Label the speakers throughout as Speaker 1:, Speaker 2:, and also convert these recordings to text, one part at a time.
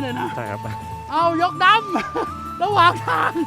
Speaker 1: เลยนะ
Speaker 2: ใช่ครับ
Speaker 1: เอายกดำระหว่างทาง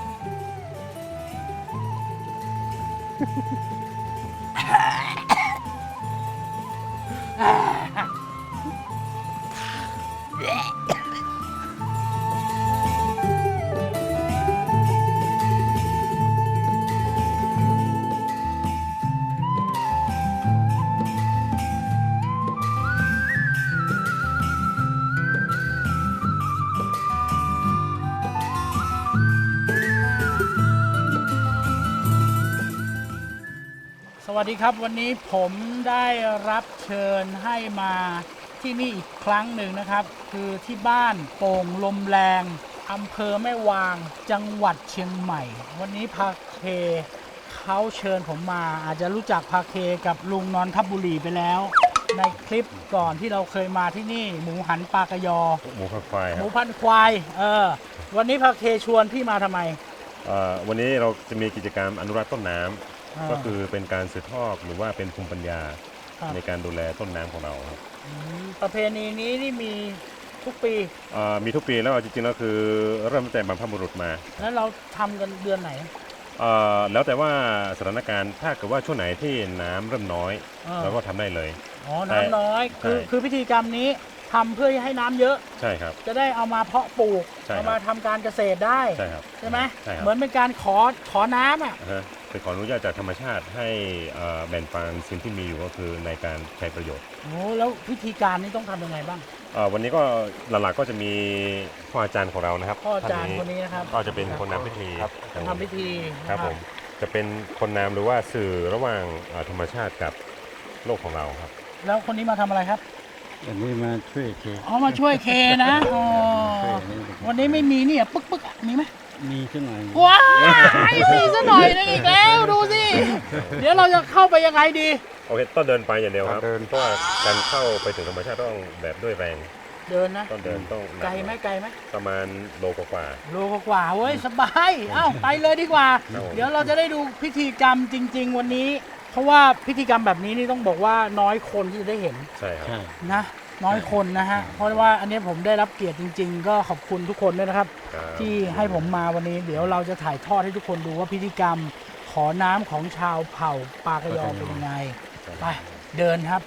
Speaker 1: สวัสดีครับวันนี้ผมได้รับเชิญให้มาที่นี่อีกครั้งหนึ่งนะครับคือที่บ้านโป่งลมแรงอำเภอแม่วางจังหวัดเชียงใหม่วันนี้พาเคเขาเชิญผมมาอาจจะรู้จักพาเคกับลุงนนทบุรีไปแล้วในคลิปก่อนที่เราเคยมาที่นี่หมูหันปลากระยอ
Speaker 2: หมูพันควาย
Speaker 1: หมูพันควายวันนี้พาเคชวนพี่มาทำไม
Speaker 2: วันนี้เราจะมีกิจกรรมอนุรักษ์ต้นน้ำก็คือเป็นการสืบทอดหรือว่าเป็นภูมิปัญญาในการดูแลต้นน้ำของเราครับ
Speaker 1: ประเพณีนี้นี่มีทุกปี
Speaker 2: มีทุกปีแล้วจริงๆแล้วคือเริ่มตั้งแต่บรรพบุรุษมา
Speaker 1: แล้วเราทำกันเดือนไหน
Speaker 2: แล้วแต่ว่าสถานการณ์ถ้าเกิดว่าช่วงไหนที่น้ำเริ่มน้อยเราก็ทำได้เลย
Speaker 1: น้ำน้อยคือพิธีกรรมนี้ทำเพื่อให้น้ำเยอะ
Speaker 2: ใช่ครับ
Speaker 1: จะได้เอามาเพาะปลูกเอามาทำการเกษตรได้
Speaker 2: ใช่ครับ
Speaker 1: ใช่ไหมเหมือนเป็นการขอน้ำ
Speaker 2: ไปขออนุญาตจากธรรมชาติให้แบ่งปันสิ่งที่มีอยู่ก็คือในการใช้ประโยชน์
Speaker 1: แล้วพิธีการนี้ต้องทำยังไงบ้าง
Speaker 2: วันนี้ก็หลักๆก็จะมีพ่ออาจารย์ของเรานะครับ
Speaker 1: พ่ออาจารย์คนนี้นะครับ
Speaker 2: ก็จะเป็นคนนำพิธีครับ
Speaker 1: ทำพิธี
Speaker 2: ครับผมจะเป็นคนนำหรือว่าสื่อระหว่างธรรมชาติกับโลกของเราครับ
Speaker 1: แล้วคนนี้มาทำอะไรครับ
Speaker 3: วันนี้มาช่วยเค
Speaker 1: มาช่วยเคนะวันนี้ไม่มีเนี่ยปึ๊กมีไหม
Speaker 3: มีสักหน่อย
Speaker 1: ว้ายมีสักหน่อยนึงอีกแล้วดูสิเดี๋ยวเราจะเข้าไปยังไงดี
Speaker 2: โอเคต้องเดินไปอย่างเดียวครับเพราะว่าการเข้าไปถึงธรรมชาติต้องแบบด้วยแรง
Speaker 1: เดินนะ
Speaker 2: ต้องเดินต้อง
Speaker 1: ไกลไหม
Speaker 2: ประมาณโลกว่า
Speaker 1: เว้ยสบายไปเลยดีกว่าเดี๋ยวเราจะได้ดูพิธีกรรมจริงๆวันนี้เพราะว่าพิธีกรรมแบบนี้นี่ต้องบอกว่าน้อยคนที่จะได้เห็น
Speaker 2: ใช่ครับ
Speaker 1: นะน้อยคนนะฮะเพราะว่าอันนี้ผมได้รับเกียรติจริงๆก็ขอบคุณทุกคนด้วยนะครับที่ให้ผมมาวันนี้เดี๋ยวเราจะถ่ายทอดให้ทุกคนดูว่าพิธีกรรมขอน้ำของชาวเผ่าปากยอเป็นยังไงไปเดินครับ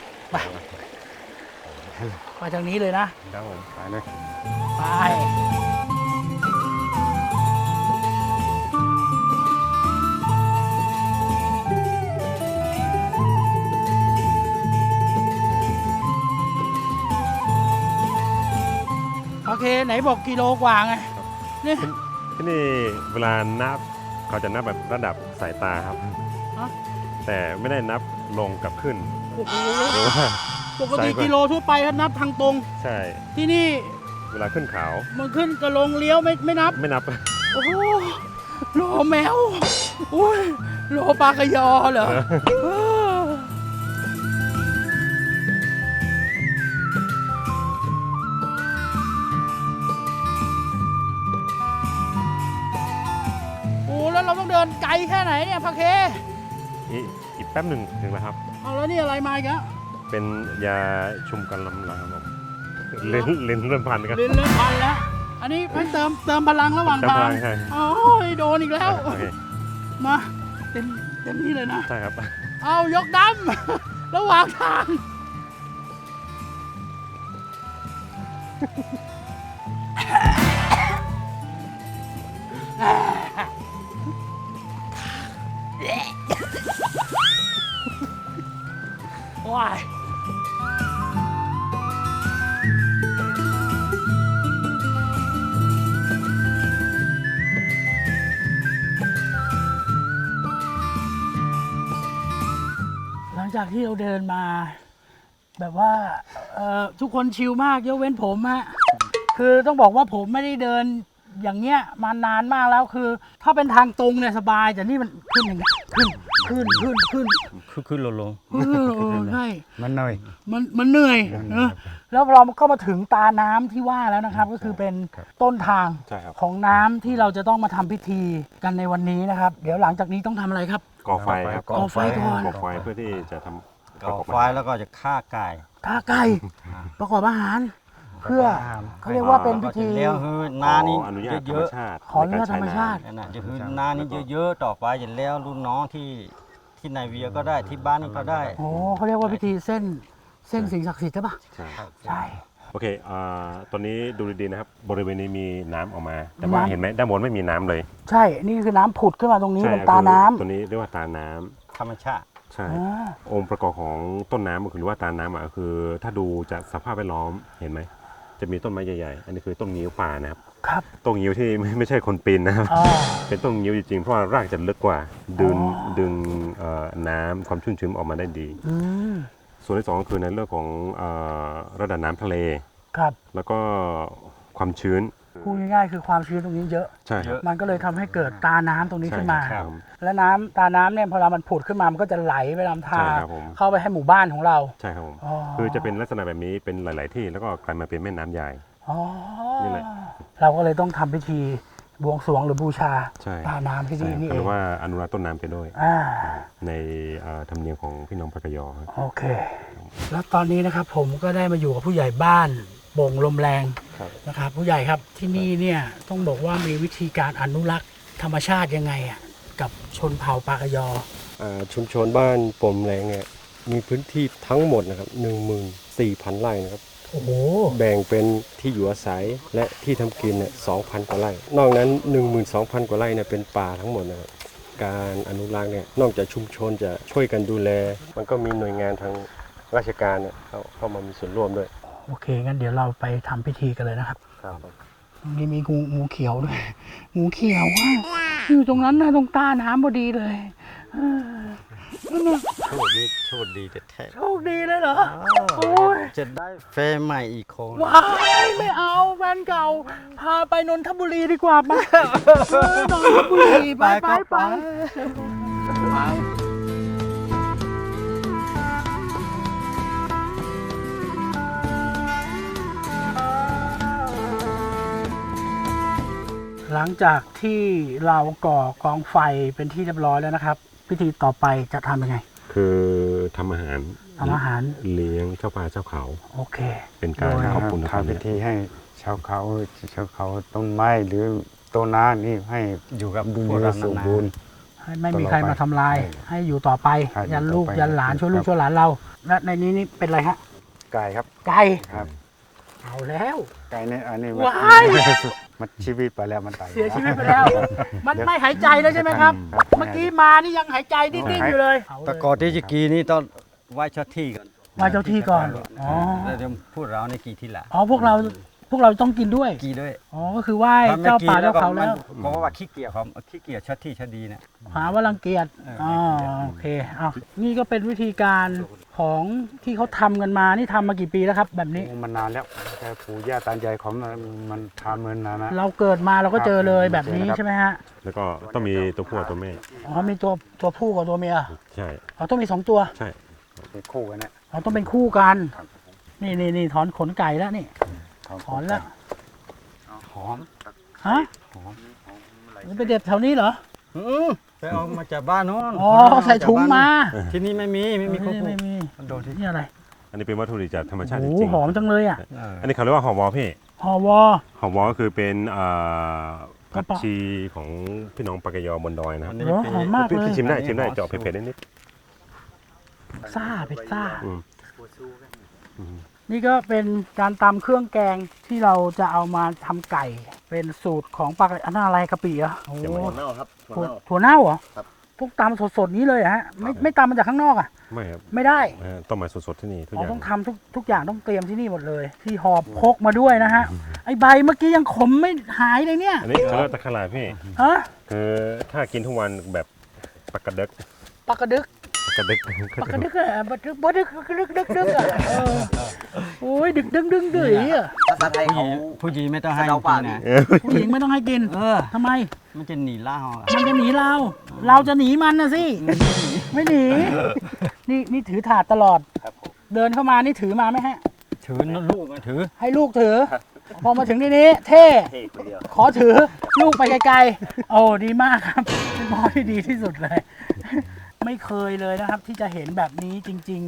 Speaker 1: ไปทางนี้เลย
Speaker 2: นะครับผมไปเลย
Speaker 1: ไปโอเคไหนบอกกิโลกว่าไง
Speaker 2: นี่ที่นี่เวลานับเขาจะนับแบบระดับสายตาครับแต่ไม่ได้นับลงกับขึ้นหรือว่า
Speaker 1: ปกติกิโลทั่วไปเขานับทางตรง
Speaker 2: ใช่
Speaker 1: ที่นี่
Speaker 2: เวลาขึ้นเขา
Speaker 1: มันขึ้นกระลงเลี้ยวไม่นับโอ้โหโลแมวอุ้ยโลปลากระยอเหรอแล้วเราต้องเดินไกลแค่ไหนเนี่ยพาเค
Speaker 2: อีกแป๊บหนึ่งถึงแล้วครับ
Speaker 1: แล้วนี่อะไรมาอีกแล้ว
Speaker 2: เป็นยาชุมกันลำลังครับลิ้นเริ่มพันกัน
Speaker 1: ลิ้นเริ่มพันแล้วอันนี้ให้เติมพลังระหว่างทางโอ้ยโดนอีกแล้วมาเต็มที่เลยนะ
Speaker 2: ใช่ครับ
Speaker 1: เอายกดำระหว่างทางว้ายหลังจากที่เราเดินมาแบบว่าทุกคนชิลมากยกเว้นผมฮะคือต้องบอกว่าผมไม่ได้เดินอย่างเงี้ยมานานมากแล้วคือถ้าเป็นทางตรงเนี่ยสบายแต่นี่มันขึ้นอย่างเงี้ยขึ้น
Speaker 3: ลง
Speaker 1: ใช่
Speaker 3: มันเหนื่อย
Speaker 1: แล้วเราก็มาถึงตาน้ำที่ว่าแล้วนะครับก็คือเป็นต้นทางของน้ำที่เราจะต้องมาทำพิธีกันในวันนี้นะครับเดี๋ยวหลังจากนี้ต้องทำอะไรครับ
Speaker 2: ก่อไฟครับ
Speaker 1: ก่อไฟก่อน
Speaker 2: ก่อไฟเพื่อที่จะทำ
Speaker 3: ก่อไฟแล้วก็จะฆ่าไก่
Speaker 1: ประกอบอาหารเพื่อเขาเรียกว่าเป็นพิธี
Speaker 3: เลี้ยงคือนานี่
Speaker 2: อนุญาตธร
Speaker 3: เย
Speaker 2: รม
Speaker 3: อะ
Speaker 2: ชาติ
Speaker 1: ขออนุญาตธรรมชาติ
Speaker 3: ๆนั่นน่ะจะคือนานี่เยอะๆต่อไปจะแล้วรุ่นน้องที่นายเวียก็ได้ที่บ้านนี่ก็ได้
Speaker 1: โอ้เขาเรียกว่าพิธีเส้นสิ่งศักดิ์สิทธิ์ใช่ปะ
Speaker 2: ใช่
Speaker 1: ใช่
Speaker 2: โอเคตอนนี้ดูดีๆนะครับบริเวณนี้มีน้ำออกมา แต่ว่า
Speaker 1: น้ำ
Speaker 2: เห็นไหมด้านบนไม่มีน้ำเลย
Speaker 1: ใช่นี่คือน้ำผุดขึ้นมาตรงนี้
Speaker 2: ใช่
Speaker 1: เป็นตาน้ำ
Speaker 2: ตัวนี้เรียกว่าตาน้ำ
Speaker 3: ธรรมชาติ
Speaker 2: ใช่
Speaker 1: อ่า
Speaker 2: องค์ประกอบของต้นน้ำก็คือว่าตาน้ำก็คือ ถ้าดูจากสภาพแวดล้อมเห็นไหมจะมีต้นไม้ใหญ่ๆอันนี้คือต้นงิ้วป่านะครับ
Speaker 1: ครับ
Speaker 2: ต้นงิ้วที่ไม่ใช่คนปีนนะครับ
Speaker 1: อ่า
Speaker 2: เป็นต้นงิ้วจริงๆเพราะว่ารากจะลึกกว่าดึงน้ำความชุ่มชื้นออกมาได้ดี
Speaker 1: อืม
Speaker 2: ส่วนที่สองก็คือในเรื่องของระดับน้ำทะเล
Speaker 1: ครับ
Speaker 2: แล้วก็ความชื้น
Speaker 1: พูดง่ายๆคือความชื้นตรงนี้เยอะ
Speaker 2: ใช่ครับ
Speaker 1: มันก็เลยทำให้เกิดตาน้ำตรงนี้ขึ้นมา
Speaker 2: ใช่ครับ
Speaker 1: และน้ำตาน้ำเนี่ยพอมันผุดขึ้นมามันก็จะไหลไปตามทาง
Speaker 2: ใช่ครับผม
Speaker 1: เข้าไปให้หมู่บ้านของเรา
Speaker 2: ใช่ครับผม
Speaker 1: อ๋อ
Speaker 2: คือจะเป็นลักษณะแบบนี้เป็นหลาย ๆ ที่แล้วก็กลายมาเป็นแม่น้ำใหญ่
Speaker 1: อ๋อ
Speaker 2: นี่แหละ
Speaker 1: เราก็เลยต้องทำพิธีบวงสรวงหรือบูชา
Speaker 2: ใช่
Speaker 1: ตาน้ำที่
Speaker 2: ใช่
Speaker 1: นี่นี่
Speaker 2: ห
Speaker 1: เอ
Speaker 2: รื
Speaker 1: ง
Speaker 2: อว่าอนุรักษ์ต้นน้ำไปด้วย
Speaker 1: อ่า
Speaker 2: ในธรรมเนียมของพี่น้องปากกยอครับ
Speaker 1: โอเค แล้วตอนนี้นะครับผมก็ได้มาอยู่กับผู้ใหญ่บ้านโป่งลมแรง
Speaker 2: ครับ
Speaker 1: นะครับ ผู้ใหญ่ครับที่นี่เนี่ยต้องบอกว่ามีวิธีการอนุรักษ์ธรรมชาติยังไงอ่ะกับชนเผ่าปากกยอ
Speaker 4: ชุมชนบ้านปมแรงเนี่ยมีพื้นที่ทั้งหมดนะครับ 14,000 ไร่นะครับ
Speaker 1: โอ้โห
Speaker 4: แบ่งเป็นที่อยู่อาศัยและที่ทำกินเนี่ย 2,000 กว่าไร่ นอกนั้น 12,000 กว่าไร่เนี่ยเป็นป่าทั้งหมดนะครับ การอนุรักษ์เนี่ยนอกจากชุมชนจะช่วยกันดูแล มันก็มีหน่วยงานทางราชการเนี่ยเข้ามามีส่วนร่วมด้วย
Speaker 1: โอเคงั้นเดี๋ยวเราไปทำพิธีกันเลยนะครับ
Speaker 4: ครับ
Speaker 1: นี่มีงูเขียวด้วย งูเขียวว่ะอยู่ตรงนั้นนะตรงใต้น้ำพอดีเลยเออนั่นน่ะ
Speaker 3: โชคดีแท้
Speaker 1: โชคดีเลยเหรอ โอ้ย
Speaker 3: จะได้แฟนใหม่อีกคน
Speaker 1: ว้ายไม่เอาแฟนเก่า พาไปนนทบุรีดีกว่าไปนนทบุรีไปไปหลังจากที่เราก่อกองไฟเป็นที่เรียบร้อยแล้วนะครับ พิธีต่อไปจะทำยังไง
Speaker 2: คือทำอาหาร
Speaker 1: ทำอาหาร
Speaker 2: เลี้ยงเจ้าป่าเจ้าเขา
Speaker 1: โอเค
Speaker 2: เป็นการขอบคุณธรรม
Speaker 5: ทำพิธีให้ชาวเขาต้นไม้หรือต้นน้ำนี่ให้
Speaker 3: อยู่กับ
Speaker 5: ดู
Speaker 3: พวก
Speaker 5: เย
Speaker 3: เรา
Speaker 5: สม
Speaker 3: นาน
Speaker 5: บูรณ์
Speaker 1: ให้ไม่มีใครมาทำลาย ให้อยู่ต่อไป
Speaker 5: ครับ
Speaker 1: ยันลูก
Speaker 5: อยู่ต่อไป
Speaker 1: ยันหลาน
Speaker 5: ครับ
Speaker 1: ช่วยลูกช่วยหลานเรา และในนี้นี่เป็นอะไรฮะ
Speaker 5: ไก่ครับ
Speaker 1: ไก่
Speaker 5: ครับ
Speaker 1: เอาแล้ว
Speaker 5: ไก่นี่อันนี้
Speaker 1: ว้าย
Speaker 5: มันชีวิตไปแล้วมันตาย
Speaker 1: เสียชีวิตไปแล้ว มันไม่หายใจแล้วใช่ไหมครับ เมื่อกี้มานี่ยังหายใจดิ้นๆอยู่เลย
Speaker 3: ๆแต่ก่อนที่จะกีนี่ต้องไหว้เจ้าที่ก่อน
Speaker 1: ไหว้เจ้าที่ก่อน อ๋อ
Speaker 3: แล้วจะพูดเราในกีที่หละ
Speaker 1: อ๋อพวกเราต้องกินด้วย
Speaker 3: กีด้วย
Speaker 1: อ๋อก็คือไหว้เจ้าป่าเจ้าเขาแล้ว
Speaker 3: เพราะว่าขี้เกียจครับขี้เกียจเจ้าที่เจ้าดีเนี่ย
Speaker 1: หาว่ารังเกียจ อ๋อโอเคเอานี่ก็เป็นวิธีการของที่เขาทำกันมานี่ทำมากี่ปีแล้วครับ แบบนี้
Speaker 5: มันนานแล้วแต่ปู่ย่าตายายของมันทำเงินนานนะ
Speaker 1: เราเกิดมาเราก็เจอเลย
Speaker 5: ครับ
Speaker 1: แบบนี้
Speaker 5: เจอครับ
Speaker 1: ใช่ไหมฮะ
Speaker 2: แล้วก็ต้องมีตัวผู้กับตัวแม่
Speaker 1: อ๋อมีตัวผู้กับตัวเมีย
Speaker 2: ใช่
Speaker 1: อ๋อต้องมี2 ตัว
Speaker 2: ใช่
Speaker 5: เป็นคู่กันเนี่ย
Speaker 1: อ๋อต้องเป็นคู่กัน
Speaker 5: ครับ
Speaker 1: นี่ถอนขนไก่แล้วนี่ ถอนแล้ว
Speaker 3: หอม
Speaker 1: ฮะนี่ไปเด็ดแถวนี้เหรอ
Speaker 3: ไปเอามาจากบ้านโน้น
Speaker 1: อ๋อใส่ถุงมา
Speaker 3: ที่นี่ไม่มีครบ
Speaker 1: ไม่มี
Speaker 3: โดนที่
Speaker 1: นี่อะไร
Speaker 2: อันนี้เป็นวัตถุดิบจากธรรมชาติจ
Speaker 1: โอ้โห
Speaker 2: ริง
Speaker 1: หอมจังเลยอ่ะ
Speaker 2: อันนี้เขาเรียกว่าหอมวอพี่
Speaker 1: หอวอ
Speaker 2: หอมวอก็คือเป็นผัก
Speaker 1: กระเป๋า
Speaker 2: ชีของพี่น้องปากกยอบนดอยนะครับ
Speaker 1: เหรอหอมมากเลย
Speaker 2: พี่ชิมได้เจาะเผ็ดๆนิด
Speaker 1: ซ่าเผ็ดซ่า
Speaker 2: อืม
Speaker 1: นี่ก็เป็นการตำเครื่องแกงที่เราจะเอามาทำไก่ เป็นสูตรของปากอันนั้นอะไรกะปิเหรอโอ้
Speaker 2: ยังไม่
Speaker 1: ถั่วเน่าเหรอพวกตำสดๆนี้เลยเหรอฮะไม่ตำมาจากข้างนอกอ่ะ
Speaker 2: ไม่ครับ
Speaker 1: ไม่ได้
Speaker 2: ต้มมาสดๆที่นี่ทุกอ
Speaker 1: เรา
Speaker 2: ย่าง
Speaker 1: ต้องทำทุกอย่างต้องเตรียมที่นี่หมดเลย ที่หอบพกมาด้วยนะฮะไอใบเมื่อกี้ยังขมไม่หายเลยเนี่ย
Speaker 2: อันนี้เขาเรียกว่าตะขลาพี่
Speaker 1: ฮะ
Speaker 2: คือถ้ากินทุกวันแบบปากกระดึก
Speaker 1: ปากกระดึก
Speaker 2: ปากกระดึก
Speaker 1: ปากกระดึกอะปากกระดึกปากกระดึกดึกอะโอ้ยดึกดึงดื๋ยอะ
Speaker 6: ภาษาไทยเขา
Speaker 3: ผู้หญิงไม่ต้องให้
Speaker 6: สะเดา
Speaker 3: กิ
Speaker 6: ป่าน
Speaker 3: นะ
Speaker 1: ผู้หญิงไม่ต้องให้กินทำไม
Speaker 3: มันจะหนีล่าอ่ะ
Speaker 1: มันจะหนีเราจะหนีมันนะสิ ไม่หนี นี่ถือถาดตลอด เดินเข้ามานี่ถือมาไหมฮะ
Speaker 3: ถือลูกถือ
Speaker 1: ให้ลูกถือ พอมาถึงที่นี้เท่ ขอถือลูกไปไกลๆ โอ้ดีมากครับเป็นพ่อที่ดีที่สุดเลย ไม่เคยเลยนะครับ ที่จะเห็นแบบนี้จริง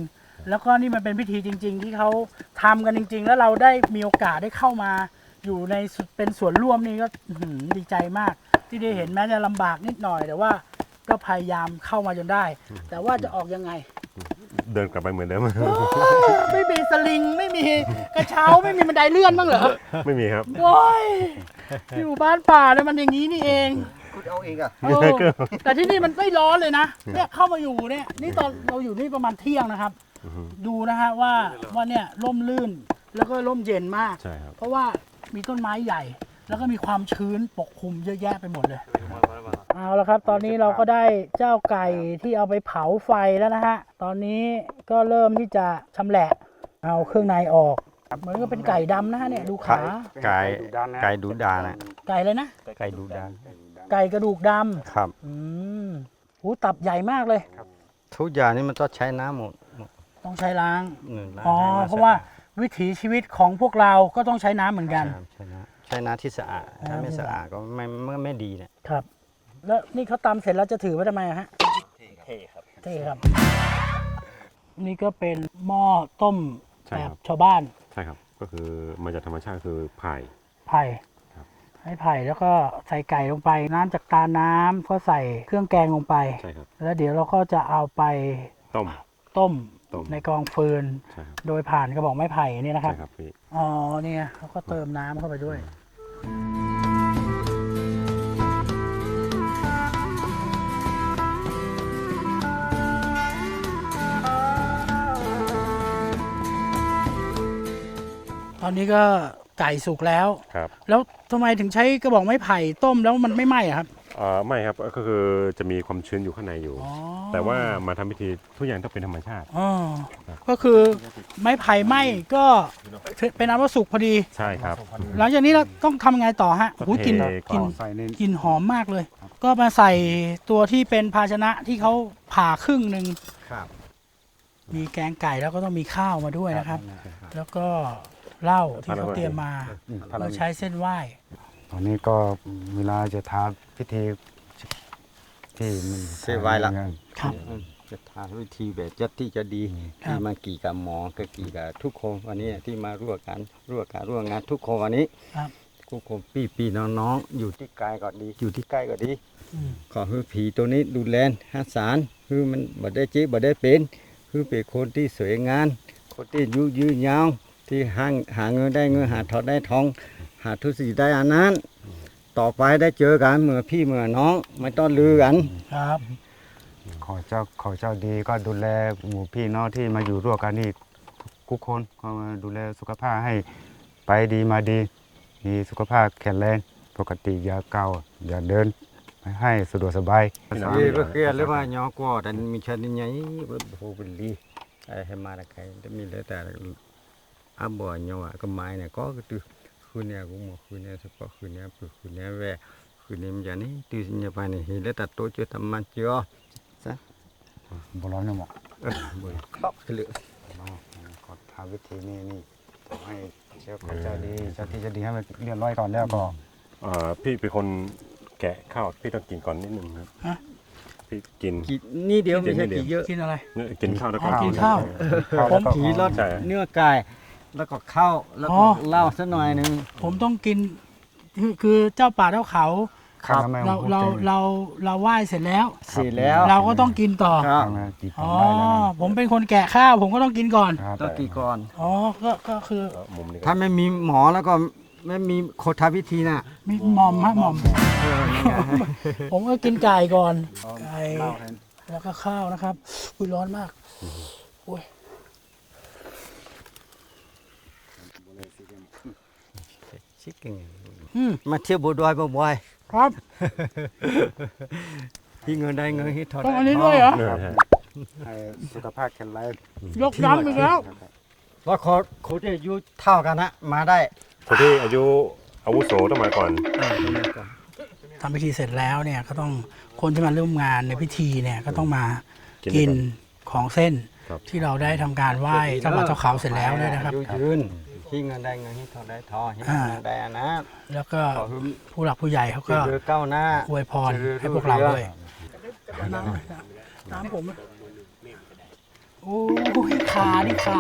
Speaker 1: แล้วก็นี่มันเป็นพิธีจริง ๆ ที่เขาทำกันจริง ๆ แล้วเราได้มีโอกาสได้เข้ามาอยู่ในเป็นส่วนร่วมนี่ก็ดีใจมาก ที่ได้เห็นแม้จะลำบากนิดหน่อย แต่ว่าก็พยายามเข้ามาจนได้ แต่ว่าจะออกยังไง
Speaker 2: เดินกลับไปเหมือนเดิม
Speaker 1: ไม่มีสลิงไม่มีกระเช้าไม่มีบันไดเลื่อนบ้างเหรอ
Speaker 2: ไม่มีครับ
Speaker 1: โอ้ยอยู่บ้านป่าเนี่ยมันอย่างนี้นี่เอง
Speaker 3: คุณเอาเองอ่ะ
Speaker 1: เออแต่ที่นี่มันไม่ร้อนเลยนะเนี่ยเข้ามาอยู่เนี่ยนี่ตอนเราอยู่นี่ประมาณเที่ยงนะครับ ดูนะฮะว่าเนี่ยร่มรื่นแล้วก็ร่มเย็นมาก
Speaker 2: ใช่ครับ
Speaker 1: เพราะว่ามีต้นไม้ใหญ่ แล้วก็มีความชื้นปกคลุมเยอะแยะไปหมดเลยเอาละครับ ตอนนี้เราก็ได้เจ้าไก่ที่เอาไปเผาไฟแล้วนะฮะตอนนี้ก็เริ่มที่จะชำแหละเอาเครื่องในออกเหมือนก็เป็นไก่ดำนะฮะเนี่ยดูขา
Speaker 3: ไก่ดูดานะ
Speaker 1: ไก่เลยนะ
Speaker 3: ไก่ดูดา
Speaker 1: ไก่กระดูกดำ
Speaker 3: ครับ
Speaker 1: หูตับใหญ่มากเลย
Speaker 3: ทุกอย่างนี่มันต้องใช้น้ำหมด
Speaker 1: ต้องใช้ล้าง
Speaker 3: ล้ง
Speaker 1: อ๋อ
Speaker 3: ให้มัน
Speaker 1: เพราะว่าวิถีชีวิตของพวกเราก็ต้องใช้น้ำเหมือนกัน
Speaker 3: ใช้น้ำที่สะอาดถ้าไม่สะอาดก็ไม่ดีเนี่ย
Speaker 1: ครับ แล้วนี่เขาตำเสร็จแล้วจะถือไว้ทำไมอะฮะ
Speaker 3: เท่ครับ
Speaker 1: เท่ครับ นี่ก็เป็นหม้อต้ม
Speaker 2: ใช่
Speaker 1: แบ
Speaker 2: ครับ บ
Speaker 1: ชาวบ้าน
Speaker 2: ใช่ครับ ก็คือมาจากธรรมชาติคือไผ่
Speaker 1: ไผ่
Speaker 2: ครับ
Speaker 1: ให้ไผ่แล้วก็ใส่ไก่ลงไป น้ำจากตาน้ำก็ใส่เครื่องแกงลงไป
Speaker 2: ใช่ครับ
Speaker 1: แล้วเดี๋ยวเราก็จะเอาไป
Speaker 2: ต้ม
Speaker 1: ต้ม
Speaker 2: ต้ม
Speaker 1: ในกองฟืน
Speaker 2: ใช่ครับ
Speaker 1: โดยผ่านกระบอกไม้ไผ่นี่นะครับ
Speaker 2: ใช่ครับพี่
Speaker 1: อ๋อเนี่ยเขาก็เติมน้ำเข้าไปด้วย ตอนนี้ก็ไก่สุกแล้ว
Speaker 2: ครับ
Speaker 1: แล้วทำไมถึงใช้กระบอกไม้ไผ่ต้มแล้วมันไม่ไหม้อะครับ
Speaker 2: ไม่ครับก็คือจะมีความชื้นอยู่ข้างในอยู่
Speaker 1: อ๋อ
Speaker 2: แต่ว่ามาทำพิธีทุกอย่างต้องเป็นธรรมชาติ
Speaker 1: อ๋อก็คือไม้ไผ่ไหม้ก็เป็นอันว่าสุกพอดี
Speaker 2: ใช่ครับ
Speaker 1: หลังจากนี้เราต้องทำยังไงต่อฮะ
Speaker 2: ก็
Speaker 1: โอ้ยกลิน
Speaker 2: เท
Speaker 1: กลิน
Speaker 5: ใส่ใน
Speaker 1: กลิ่นหอมมากเลย ก็มาใส่ตัวที่เป็นภาชนะที่เขาผ่าครึ่งหนึ่ง
Speaker 3: ครับ
Speaker 1: มีแกงไก่แล้วก็ต้องมีข้าวมาด้วยนะครับ แล้วก็เหล้าที่เขาเตรียมมาเราใช้เส้นไหว้
Speaker 5: ตอนนี้ก็เวลาจะทำพิธีที่มัน
Speaker 3: เสร็จไว้ละ
Speaker 1: ครับ
Speaker 3: จะทำวิธีแบบจะที่จะดี
Speaker 1: ครับ
Speaker 3: ที่มากี่กับหมอก็กี่กับทุกคนวันนี้ที่มาร่วมงานทุกคนวันนี้
Speaker 1: ครับ
Speaker 3: ทุกคนพี่น้องๆอยู่ที่ไกลก็ดีอยู่ที่ใกล้ก็ดี
Speaker 1: อืม
Speaker 3: ขอให้ผีตัวนี้ดูแลรักษาคือมันบ่ได้เจ็บบ่ได้เป็นคือเป็นคนที่สวยงามคนที่ยืนยาวที่หาเงินได้เงินหาทองได้ทอง หาทุกสิ่งได้อันนั้น ต่อไปได้เจอกันเหมือนพี่เหมือนน้องไม่ต้องลือกัน
Speaker 1: ครับ
Speaker 5: ขอเจ้าดีก็ดูแลหมู่พี่น้องที่มาอยู่ร่วมกันนี่ทุกคนก็มาดูแลสุขภาพให้ไปดีมาดี มีสุขภาพแข็งแรงปกติอย่าเกาอย่าเดินให้สะดวกสบาย
Speaker 3: Ye bekia le ma nyo ko dan mi chan ni nyai bo beli. Ai ma la kai de mi le ta abo nyo a ka mai ne ko tu khu ne ku mo khu ne so ko khu ne pu khu ne ve khu ne mi jani tu nya pa ni hi le ta to chu tam man chyo. Sa
Speaker 5: บร้อนเนี่ยหมอ
Speaker 3: bo khop le.
Speaker 5: ก็ทำวิธีนี่ให้เจ้าดีเจ้าที่จะดีให้มันเรียบร้อยก่อนแล้วก็
Speaker 2: พี่เป็นคนแกะข้าวพี่ต้องกินก่อนนิดนึงครับ
Speaker 1: ฮะ
Speaker 2: พี่กิน
Speaker 3: Ki ni dia mi sa ki ye.
Speaker 1: กินอะไร
Speaker 2: เนี่ยกินข้าวแล้วก็
Speaker 1: กินข้าว
Speaker 5: ผม
Speaker 3: ผีรส
Speaker 2: ใช่
Speaker 3: เนื้อไก่แล้วก็ข้าวแล้วก็เหล้าสักหน่อยนึง
Speaker 1: ผมต้องกินคือเจ้าป่าเจ้าเขา
Speaker 3: ครับ
Speaker 1: เราไหว้เสร็จแล้ว
Speaker 3: เสร็จแล้ว
Speaker 1: เราก็ต้องกินต่อ
Speaker 3: ครับ
Speaker 1: อ๋อผมเป็นคนแกะข้าวผมก็ต้องกินก่อน
Speaker 3: ต้องกี่ก่อน
Speaker 1: อ๋อก็คือ
Speaker 2: มุมนี้ก็
Speaker 3: ถ้าไม่มีหมอแล้วก็ไม่มีโคทาวิธีน่ะ
Speaker 1: มีหม่อมฮะหม่อม ผมก็กินไก่ก่อน ไก่ แล้วก็ข้าวนะครับ อุ้ยร้อนมากอุ้ย
Speaker 3: ชิคกี้
Speaker 1: อืม
Speaker 3: มาเที่ยวบัวดอยบ่อย
Speaker 1: ครับ
Speaker 3: ๆพี่เงินได้เงินที่ถอด
Speaker 1: ต้องอันนี้ด้วยเหรอ
Speaker 2: เนี่ยฮะ
Speaker 5: ให้สุขภาพแข็งแรง
Speaker 1: ยกย้ำอีกแล้ว
Speaker 3: แล้วคนที่อายุเท่ากันนะมาได้
Speaker 2: คนที่อายุอาวุโสต้องมาก่อน
Speaker 1: ทำพิธีเสร็จแล้วเนี่ยก็ต้องคนที่มาร่วมงานในพิธีเนี่ยก็ต้องมากินของเส้น
Speaker 2: ครับ
Speaker 1: ที่เราได้ทำการไหว้เจ้าป่าเจ้าเขาเสร็จแล้วด้วยนะครับ
Speaker 3: อายุยืนพี่เงินได้เงินที่ถอดได้ทองที่เงินได้อันนะ
Speaker 1: แล้วก็
Speaker 3: ขอให้
Speaker 1: ผู้หลักผู้ใหญ่เขาก็
Speaker 3: เจริญก้าวหน้า
Speaker 1: อวยพรให้พวกเราด้วยน้ำผมโอ้ยขาดิขา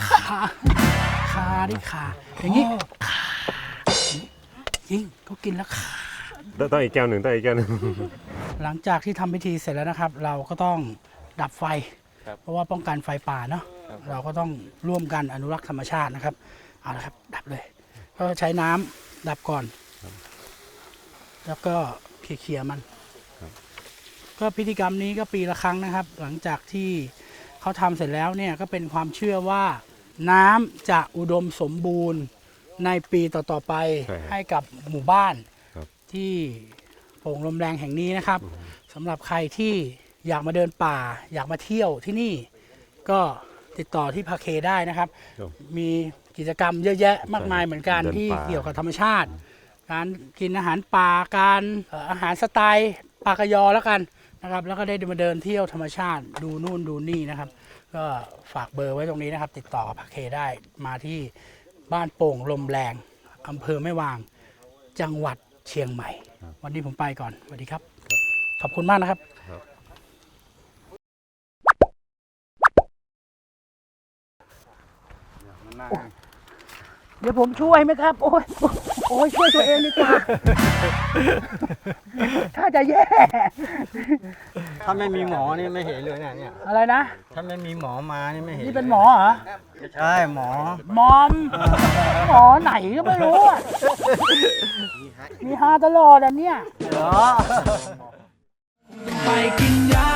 Speaker 1: ดิขาอย่างนี้ขาจริงเขากินแล้วขา
Speaker 2: ต้องอีกแก้วหนึ่งต้องอีกแก้วหนึ่ง
Speaker 1: หลังจากที่ทำพิธีเสร็จแล้วนะครับ เราก็ต้องดับไฟ เพราะว่าป้องกันไฟป่าเนาะเราก็ต้องร่วมกันอนุรักษ์ธรรมชาตินะครับเอาละครับดับเลยก็ใช้น้ำดับก่อน แล้วก็เคลียร์มันก็พิธีกรรมนี้ก็ปีละครั้งนะครับ หลังจากที่เขาทำเสร็จแล้วเนี่ยก็เป็นความเชื่อว่าน้ำจะอุดมสมบูรณ์ในปีต่อๆไป
Speaker 2: ใช่ครับ
Speaker 1: ให้กับหมู่บ้าน
Speaker 2: ครับ
Speaker 1: ที่โป่งลมแรงแห่งนี้นะครับสำหรับใครที่อยากมาเดินป่า อยากมาเที่ยวที่นี่ ก็ติดต่อที่พาเคได้นะครับ
Speaker 2: ครับ
Speaker 1: มีกิจกรรมเยอะแยะมากมายเหมือนกัน
Speaker 2: เดินป่า
Speaker 1: ที่เกี่ยวกับธรรมชาติ การกินอาหารป่าการอาหารสไตล์ปากยอแล้วกันนะครับ แล้วก็ได้มาเดินเที่ยวธรรมชาติดูนู่นดูนี่นะครับ ก็ฝากเบอร์ไว้ตรงนี้นะครับ ติดต่อกับพาเคได้มาที่บ้านโป่งลมแรงอำเภอแม่วาง จังหวัดเชียงใหม่ วันนี้ผมไปก่อนสวัสดีครับ ขอบคุณมากนะครับ เดี๋ยวผมช่วยไหมครับ โอ้ยช่วยตัวเองดีกว่า ถ้าจะแย่
Speaker 3: ถ้าไม่มีหมอนี่ไม่เห็นเลยเนี่ย
Speaker 1: อะไรนะ
Speaker 3: ถ้าไม่มีหมอมานี่ไม่เห็น
Speaker 1: นี่เป็นหมอเหรอ
Speaker 3: ใช่หมอ
Speaker 1: มอม หมอไหนก็ไม่รู้อ่ะ มีฮาตลอดอันเนี้ย
Speaker 3: เหรอ
Speaker 1: ไปกินยา